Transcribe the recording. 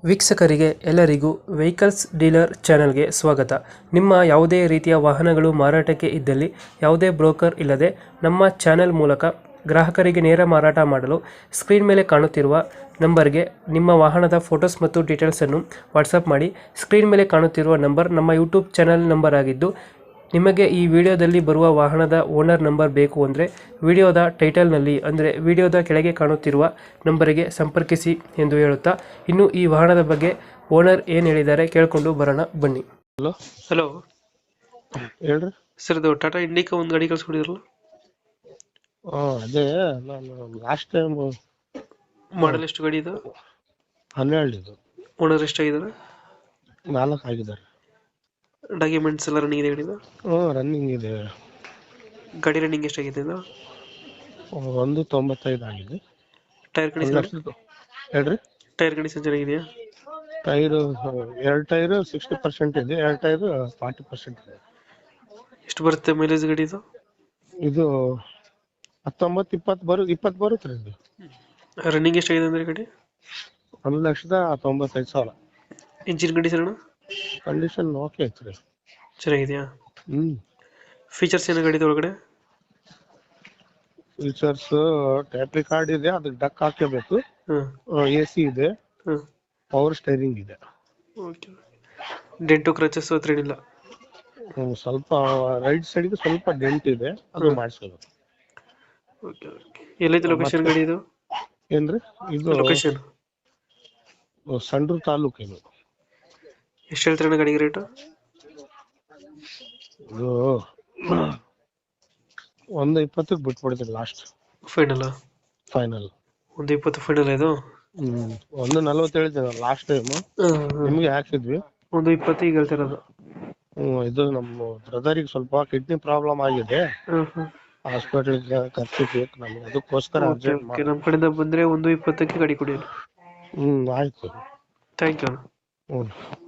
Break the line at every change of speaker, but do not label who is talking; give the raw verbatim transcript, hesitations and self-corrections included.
ವೀಕ್ಷಕರಿಗೆ ಎಲ್ಲರಿಗೂ vehicles dealer ಚಾನೆಲ್ಗೆ ಸ್ವಾಗತ. ನಿಮ್ಮ ಯಾವುದೇ ರೀತಿಯ ವಾಹನಗಳು ಮಾರಾಟಕ್ಕೆ ಇದ್ದಲ್ಲಿ ಯಾವುದೇ ಬ್ರೋಕರ್ ಇಲ್ಲದೆ ನಮ್ಮ ಚಾನೆಲ್ ಮೂಲಕ ಗ್ರಾಹಕರಿಗೆ ನೇರ ಮಾರಾಟ ಮಾಡಲು ಸ್ಕ್ರೀನ್ ಮೇಲೆ ಕಾಣುತ್ತಿರುವ ನಂಬರ್ಗೆ ನಿಮ್ಮ ವಾಹನದ ಫೋಟೋಸ್ ಮತ್ತು ಡೀಟೇಲ್ಸನ್ನು ವಾಟ್ಸಪ್ ಮಾಡಿ. ಸ್ಕ್ರೀನ್ ಮೇಲೆ ಕಾಣುತ್ತಿರುವ ನಂಬರ್ ನಮ್ಮ ಯೂಟ್ಯೂಬ್ ಚಾನೆಲ್ ನಂಬರ್ ಆಗಿದ್ದು, ನಿಮಗೆ ಈ ವಿಡಿಯೋದಲ್ಲಿ ಬರುವ ವಾಹನದ ಓನರ್ ನಂಬರ್ ಬೇಕು ಅಂದರೆ ವಿಡಿಯೋದ ಟೈಟಲ್ನಲ್ಲಿ ಅಂದರೆ ವಿಡಿಯೋದ ಕೆಳಗೆ ಕಾಣುತ್ತಿರುವ ನಂಬರಿಗೆ ಸಂಪರ್ಕಿಸಿ ಎಂದು ಹೇಳುತ್ತಾ, ಇನ್ನು ಈ ವಾಹನದ ಬಗ್ಗೆ ಓನರ್ ಏನು ಹೇಳಿದ್ದಾರೆ ಕೇಳಿಕೊಂಡು ಬರೋಣ ಬನ್ನಿ.
ಹಲೋ
ಹಲೋ
ಹೇಳ್ರಿ.
ಸರ್, ಇದು ಟಾಟಾ ಇಂಡಿಕಾ ಒಂದು ಗಾಡಿ ಕಳ್ಸ್ಕೊಡಿದ್ರಲ್ಲ,
ಹಾಂ ಅದೇ ನಾನು ಲಾಸ್ಟ್ ಟೈಮ್
ಮಾಡಲ್ ಎಷ್ಟು ಗಾಡಿ ಇದು?
ಹನ್ನೆರಡು ಇದು
ಓನರ್ ಎಷ್ಟಾಗಿದ್ದಾರೆ?
ನಾಲ್ಕು ಆಗಿದ್ದಾರೆ.
ಡಾಕ್ಯುಮೆಂಟ್ಸ್ ಎಲ್ಲ ರನ್ನಿಂಗ್ ಇದೆ ಗಾಡಿದು?
ಹ್ಞೂ ರನ್ನಿಂಗ್ ಇದೆ.
ಗಾಡಿ ರನ್ನಿಂಗ್ ಎಷ್ಟಾಗಿದೆ ಇದು?
ಒಂದು ತೊಂಬತ್ತೈದು ಆಗಿದೆ.
ಟೈರ್
ಒಂದು
ಕಂಡೀಷನ್
ಲಕ್ಷದ ಹೇಳ್ರಿ.
ಟೈರ್ ಕಂಡೀಷನ್ ಚೆನ್ನಾಗಿದೆಯಾ?
ಟೈರು ಎರಡು ಟೈರು ಸಿಕ್ಸ್ಟಿ ಪರ್ಸೆಂಟ್ ಇದೆ, ಎರಡು ಟೈರು ಫಾರ್ಟಿ ಪರ್ಸೆಂಟ್ ಇದೆ.
ಎಷ್ಟು ಬರುತ್ತೆ ಮೈಲೇಜ್ ಗಾಡಿ ಇದು?
ಇದು ಹತ್ತೊಂಬತ್ತು ಇಪ್ಪತ್ತು ಬರು ಇಪ್ಪತ್ತು ಬರುತ್ತೆ ರೀ. ಇದು
ರನ್ನಿಂಗ್ ಎಷ್ಟಾಗಿದೆ ಅಂದ್ರೆ ಗಾಡಿ?
ಒಂದು ಲಕ್ಷದ ತೊಂಬತ್ತೈದು ಸಾವಿರ.
ಇಂಜಿನ್ ಕಂಡೀಷನ್
ಕಂಡೀಷನ್ ಓಕೆ ಐತೆ ರೀ.
ಚೆನ್ನಾಗಿದೆಯಾ?
ಹ್ಞೂ
ಫೀಚರ್ಸ್ ಏನು ಗಾಡಿದು ಒಳಗಡೆ?
ಫೀಚರ್ಸ್ ಟ್ಯಾಪ್ ಕಾರ್ಡ್ ಇದೆ, ಅದಕ್ಕೆ ಡಕ್ ಹಾಕಬೇಕು.
ಹಾಂ
ಎ ಸಿ ಇದೆ,
ಹಾಂ
ಪವರ್ ಸ್ಟೈರಿಂಗ್ ಇದೆ.
ಓಕೆ. ಡೆಂಟು ಕ್ರಚಸ್ ಹತ್ರ ಏನಿಲ್ಲ?
ಹ್ಮ್, ಸ್ವಲ್ಪ ರೈಟ್ ಸೈಡ್ಗೆ ಸ್ವಲ್ಪ ಡೆಂಟ್ ಇದೆ, ಅದು ಮಾಡಿಸ್ಕೋಬೇಕು.
Okay okay. ಎಲ್ಲೈತೆ ಲೊಕೇಶನ್ ಗಾಡಿ ಇದು?
ಏನ್ರಿ ಇದು
ಲೊಕೇಶನ್
ಸಂಡೂರು ತಾಲೂಕು. ಇದು
ಎಷ್ಟು ಹೇಳ್ತೀರಣ್ಣ ಗಾಡಿಗೆ ರೇಟು?
ಇದು ಒಂದು ಇಪ್ಪತ್ತಕ್ಕೆ ಬಿಟ್ಬಿಡ್ತೀವಿ ಲಾಸ್ಟ್
ಫೈನಲ್?
ಫೈನಲ್
ಒಂದು ಇಪ್ಪತ್ತು ಫೈನಲ್ ಇದು?
ಹ್ಮ್ ಒಂದು ನಲ್ವತ್ತು ಹೇಳ್ತೀನಿ ಲಾಸ್ಟ್ ಟೈಮ್ ನಿಮ್ಗೆ ಹಾಕಿದ್ವಿ.
ಒಂದು ಇಪ್ಪತ್ತು ಈಗ ಹೇಳ್ತಿರೋದು?
ಹ್ಮ್ ಇದು ನಮ್ಮ ಬ್ರದರಿಗೆ ಸ್ವಲ್ಪ ಕಿಡ್ನಿ ಪ್ರಾಬ್ಲಮ್ ಆಗಿದೆ, ಹಾಸ್ಪಿಟಲ್ ಖರ್ಚು ಬೇಕು ನಮ್ಗೆ, ಅದಕ್ಕೋಸ್ಕರ ಅರ್ಜೆಂಟ್ ಮಾಡಿ.
ನಮ್ಮ ಕಡೆಯಿಂದ ಬಂದ್ರೆ ಒಂದು ಇಪ್ಪತ್ತಕ್ಕೆ ಗಾಡಿ ಕೊಡಿ.
ಹ್ಮ್ ಆಯ್ತು.
Thank you.
ಹ್ಮ್